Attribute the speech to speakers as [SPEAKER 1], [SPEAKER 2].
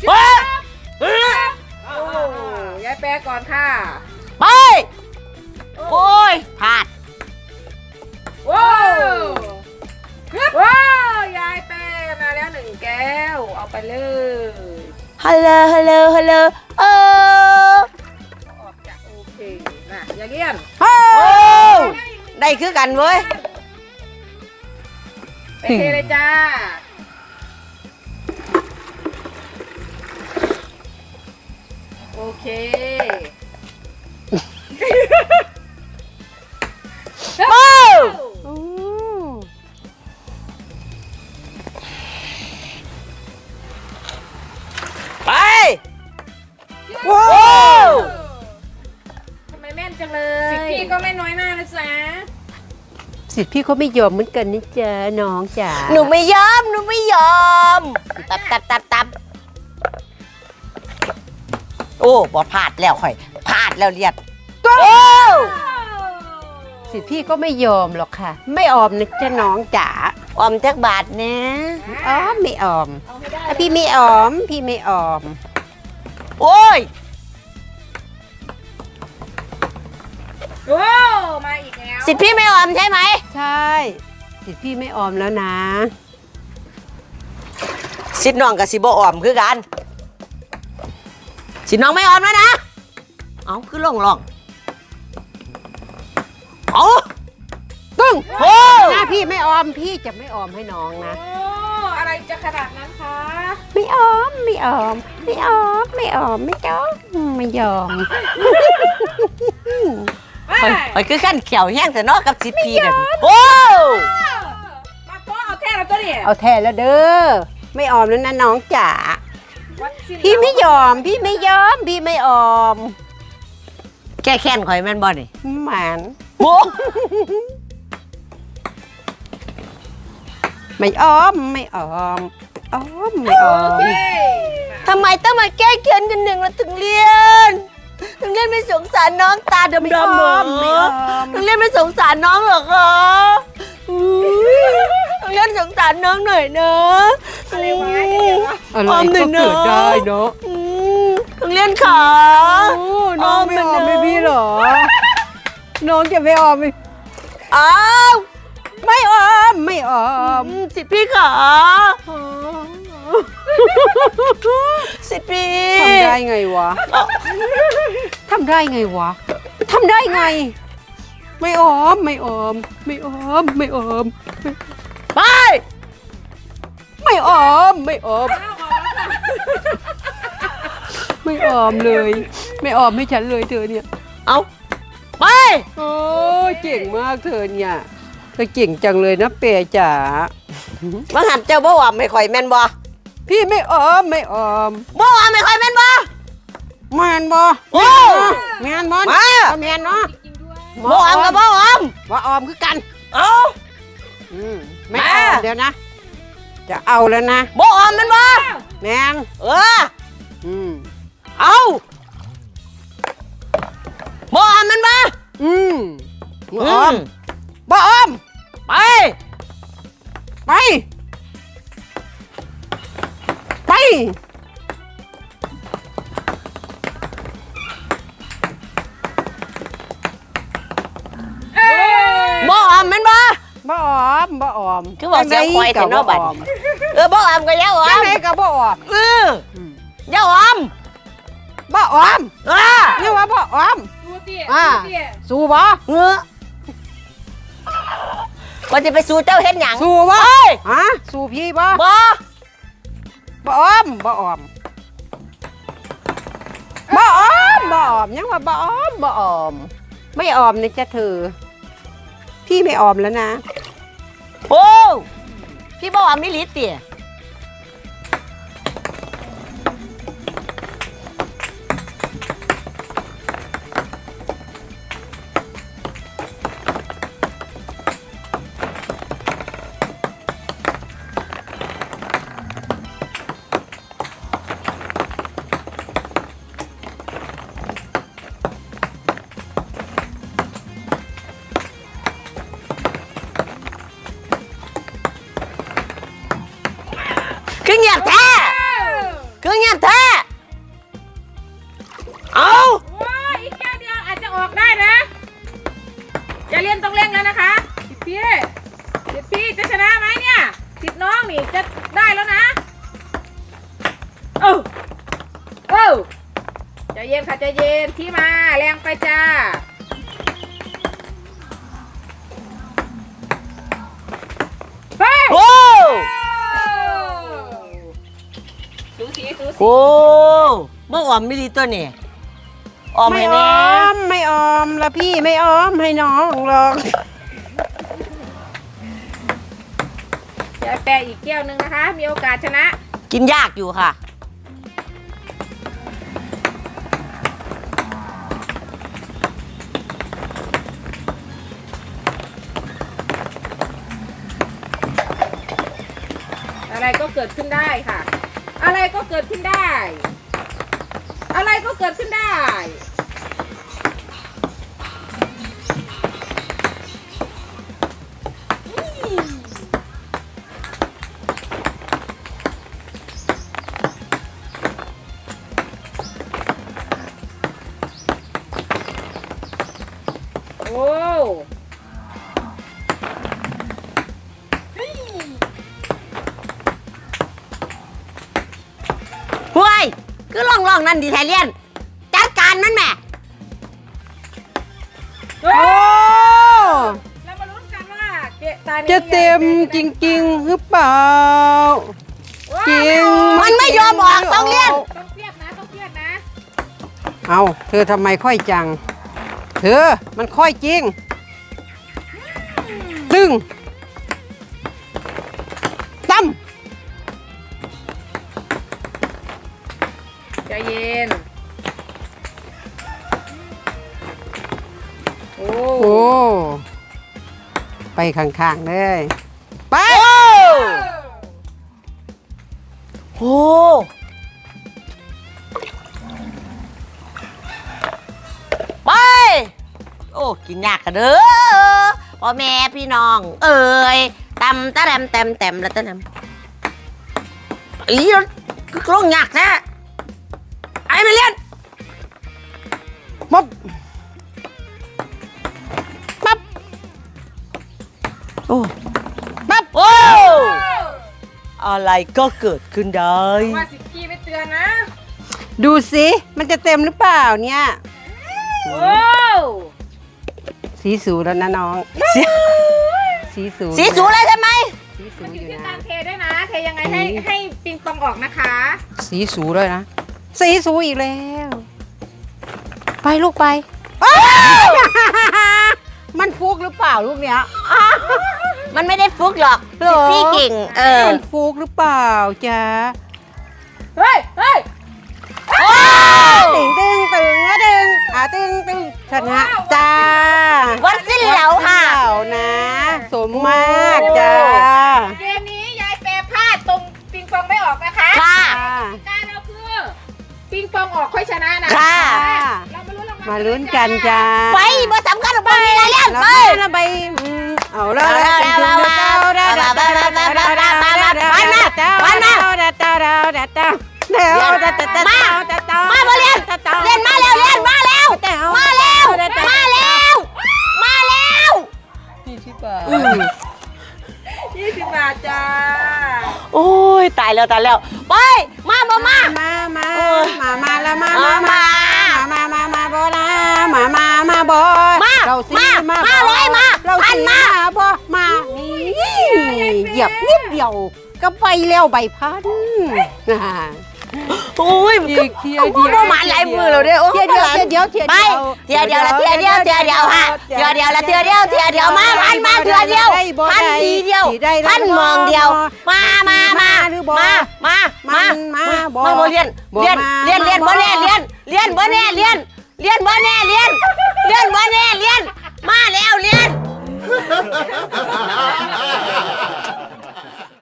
[SPEAKER 1] ยายแปรก่อนค่ะ
[SPEAKER 2] ไปโอ้ยพลาด
[SPEAKER 1] ว้าวว้าวยายแปรมาแล้ว1 แก้วเอาไปเลย
[SPEAKER 2] ฮัลโหลฮัลโหลฮัลโหลอ
[SPEAKER 1] อกจากโอเคนะอย่าเลี่ยน
[SPEAKER 2] โอ้ได้คือกันเว้ย
[SPEAKER 1] ไปเทเลยจ้าโอเค
[SPEAKER 2] โอ้ไปว้าว
[SPEAKER 1] ทำไมแม่นจังเลยสิพี่ก็ไม่น้อยหน้านะจ๊ะ
[SPEAKER 3] สิทธิ์พี่เขาไม่ยอมเหมือนกันนี่จ๊ะน้องจ๋า
[SPEAKER 2] หนูไม่ยอมหนูไม่ยอมตับโอ้บอพลาดแล้วค่อยพลาดแล้วเรียดโอ้
[SPEAKER 3] สิทธิ์พี่ก็ไม่ยอมหรอกค่ะไม่ออมนะจ๊ะน้องจ๋า
[SPEAKER 2] ออมจักบาทนะ
[SPEAKER 3] อ๋อไม่ออมพี่ไม่ออมพี่ไม่ออม
[SPEAKER 2] โอ้ย
[SPEAKER 1] โอ้มาอีกแล้ว
[SPEAKER 2] สิทธิ์พี่ไม่ออมใช่ไหม
[SPEAKER 3] ใช่สิทธิ์พี่ไม่ออมแล้วนะ
[SPEAKER 2] สิทธิ์น้องกับสิบ่ออมคือกันสิทธิ์น้องไม่ออมแล้วนะเอาคือล่องเอา
[SPEAKER 3] ตึ้ง
[SPEAKER 2] โอ้
[SPEAKER 3] หน้าพี่ไม่ออมพี่จะไม่ออมให้น้องนะ
[SPEAKER 1] โอ้อะไรจะขนาดนั้นคะ
[SPEAKER 3] ไม่ออมไม่ออมไม่ออมไม่ออมไม่จ้อไม่ยอม
[SPEAKER 2] ไปคือขั้นเขียวแห้งแต่นอกกับสิทธิ์พี่กันโอ้
[SPEAKER 1] มาโต๊ะเอาแท้แล้วตัวนี้
[SPEAKER 3] เอาแท้แล้วเด้อไม่ออมแล้วนะน้องจ๋าพี่ไม่ยอมพี่ไม่ยอมพี่ไม่ออม
[SPEAKER 2] แก้แค้นข่อยแม่นบ่นี่
[SPEAKER 3] หมัน
[SPEAKER 2] โอ้
[SPEAKER 3] ไม่ออมไม่ออมไม่ออม
[SPEAKER 2] ทำไมต้องมาแก้แค้นกันหนึ่งแล้วถึงเรียนไม่สงสารน้องตาดำๆเหรอถึงเรียนไม่สงสารน้องเหรอคะถึงเรียนสงสารน้องหน่อยนะ
[SPEAKER 1] อะไรวะ
[SPEAKER 3] อะไรก็เกิดได้เนาะ
[SPEAKER 2] ถึงเรียนขา
[SPEAKER 3] น้องไม่ออมไม่พี่หรอน้องจะไม่ออมไหม
[SPEAKER 2] อ้าว
[SPEAKER 3] ไม่ออมไม่ออม
[SPEAKER 2] สิพี่ขาสิพี่
[SPEAKER 3] ทำได้ไงวะทำได้ไงวะทำได้ไงไม่ออมไม่ออมไม่ออมไม่ออม
[SPEAKER 2] ไป
[SPEAKER 3] ไม่ออมไม่ออมไม่ออมเลยไม่ออมให้ฉันเลยเธอเนี่ย
[SPEAKER 2] เอาไป
[SPEAKER 3] โอ้เก่งมากเธอเนี่ยเธอเก่งจังเลยนะเปียจ๋า
[SPEAKER 2] มาหัดเจ้าบ่อมไม่ค่อยแม่นบ่
[SPEAKER 3] พี่ไม่ออมไม่ออม
[SPEAKER 2] บ่อมไม่ค่อยแม่นบ่
[SPEAKER 3] แม่นบ่
[SPEAKER 2] โอ้
[SPEAKER 3] แม่นบ่
[SPEAKER 2] มา
[SPEAKER 3] แม่นเนาะ
[SPEAKER 2] บ่อมกับบ่อม
[SPEAKER 3] บ่อมคือกัน
[SPEAKER 2] เอา
[SPEAKER 3] ไม่ออมเดี๋ยวนะจะเอาแล้วนะ
[SPEAKER 2] บ่อมแม่นบ่
[SPEAKER 3] แม่น
[SPEAKER 2] เอาบ่อมแม่นบ่
[SPEAKER 3] บ่อมบ่อม
[SPEAKER 2] ไป
[SPEAKER 3] ไปไป
[SPEAKER 2] บ่อมแม่นบ่
[SPEAKER 3] บ่อมบ่อม
[SPEAKER 2] คือบอกเสียงควายแต่นอกบัดบ่อมก็ยาวอม
[SPEAKER 3] ไหนก็บ่อม
[SPEAKER 2] ยาวอม
[SPEAKER 3] บ่อมนี่ว่าบ่อม
[SPEAKER 1] สู้ดิ
[SPEAKER 3] สู้บ่
[SPEAKER 2] เงื้อว่าจะไปสู้เจ้าเห็นหยัง
[SPEAKER 3] สู้บ่สู้พี่บ่บ่อมบ่อมบ่อมบ่อมยังว่าบ่อมบ่อมไม่ออมนะจ๊ะเธอพี่ไม่ออมแล้วนะ
[SPEAKER 2] โอ้พี่บ่อมนี่ลิตรเตี่ยคือเงียบแท้คือเงียบแท้เอา
[SPEAKER 1] โอ้ยอีกแก้วเดียวอาจจะออกได้นะอย่าเล่นต้องเร่งแล้วนะคะพี่จะชนะไหมเนี่ยสิทธิ์น้องนี่จะได้แล้วนะใจเย็นค่ะใจเย็นที่มาแรงไปจ้าเฮ้ย
[SPEAKER 2] โอ้
[SPEAKER 1] สูสี
[SPEAKER 2] โอ้เมื่อออมไม่ดีตัวนี่ออม
[SPEAKER 3] ไม่
[SPEAKER 2] ให้
[SPEAKER 3] อ
[SPEAKER 2] แน่
[SPEAKER 3] อมไม่ออมละพี่ไม่ออมให้น้องหรอก
[SPEAKER 1] ยายแปะอีกแก้วหนึ่งนะคะมีโอกาสชนะ
[SPEAKER 2] กินยากอยู่ค่ะ
[SPEAKER 1] อะไรก็เกิดขึ้นได้ค่ะ อะไรก็เกิดขึ้นได้ อะไรก็เกิดขึ้นได้โอ้
[SPEAKER 2] ห่วยคือล่องนั่นดีไทยเลียนจัดการมันแม่
[SPEAKER 1] โอ้
[SPEAKER 3] โอ้
[SPEAKER 1] เรามาลุ้นกันว่าตานี้
[SPEAKER 3] จะเต็มจริงๆหรือเปล่า
[SPEAKER 1] ว้าว
[SPEAKER 3] จริง
[SPEAKER 2] มันไม่ยอมออกต้องเลียน
[SPEAKER 1] ต้องเครียดนะต้องเครียดนะ
[SPEAKER 3] เอาเธอทำไมค่อยจังเธอมันค่อยจริงตึงตั้ม
[SPEAKER 1] ใจเย็นโอ้
[SPEAKER 3] โอ้ไปข้างๆเลยไป
[SPEAKER 2] โอ้ไปโอ้กินยากกันเด้อพ่อแม่พี่น้องเอ้ยตำตะแรมแต้มแล้วตะแรมอีก็ลงยากแท้ไอ้ไม่เลียน
[SPEAKER 3] ปั๊บปั๊บ
[SPEAKER 2] โอ้ปั๊บโอ้อะไรก็เกิดขึ้นได้
[SPEAKER 1] ว่าสิกี้ไม่เตือนนะ
[SPEAKER 3] ดูสิมันจะเต็มหรือเปล่าเนี่ย
[SPEAKER 1] โอ้
[SPEAKER 3] สีสูแล้วนะน้อง สีสู
[SPEAKER 2] สีสูเลยใช่ไหม
[SPEAKER 3] สีสู
[SPEAKER 1] มันอ
[SPEAKER 3] อยู่ ยู่
[SPEAKER 1] ที่
[SPEAKER 3] นะ
[SPEAKER 1] การเทด้วยนะเทยังไงให้ปิงปองออกนะคะ
[SPEAKER 3] สีสูเลยนะสีสูอีกแล้ว ไปลูกไป มันฟุกหรือเปล่าลูกเนี้ย
[SPEAKER 2] มันไม่ได้ฟุกหรอก
[SPEAKER 3] หรอ
[SPEAKER 2] พี่เก่ง
[SPEAKER 3] มันฟุกหรือเปล่าจ๊ะ
[SPEAKER 1] เฮ้ย
[SPEAKER 3] ตึงตึงตึงอะตึงตึงชนะจ้า
[SPEAKER 2] วันสิ้นเหลาค่ะ
[SPEAKER 3] วันสิ้นเหลานะ สมมากจ้า
[SPEAKER 1] เกมนี้ยายแปรพลาดตรงปิงปองไม่ออกนะคะ
[SPEAKER 2] ค่ะ
[SPEAKER 1] การเราคือปิงปองออกค่อยชนะนะ
[SPEAKER 2] ค่ะ
[SPEAKER 1] เรามาลุ้นรางวัล
[SPEAKER 3] มาลุ้นกันจ้า
[SPEAKER 2] ไปบ่สำคัญหรอกไปอะไรเล่น
[SPEAKER 3] เรา
[SPEAKER 2] ไป
[SPEAKER 3] ไปเอาแล้ว
[SPEAKER 2] มาบ่เล่นเล่นมาแล้วเล่นมาแล้วมาแล้วมาแล้วมาแล้ว
[SPEAKER 1] 20 บาทจ้า
[SPEAKER 2] โอ้ยตายแล้วไปมาบ่มา
[SPEAKER 3] มาแล้วมาบ่นะมาบ่เราสิมาเลยมาเราสิมาบ่มานี่เหยียบนิดเดียวก็ไปแล้วใบพัน
[SPEAKER 2] โอ้ยบ่มาหลายมือแล้วเด้อโอ้ย
[SPEAKER 3] เที่ยวเดียว
[SPEAKER 2] ไปเที่ยวเดียวละเที่ยวเดียวค่ะเที่ยวเดียวละเที่ยวเดียวมาพันมาเที่ยวเดียวพันทีเดียวพันมองเดียวมาบ่เรียนบ่แน่เรียนบ่แน่มาแล้วเรียน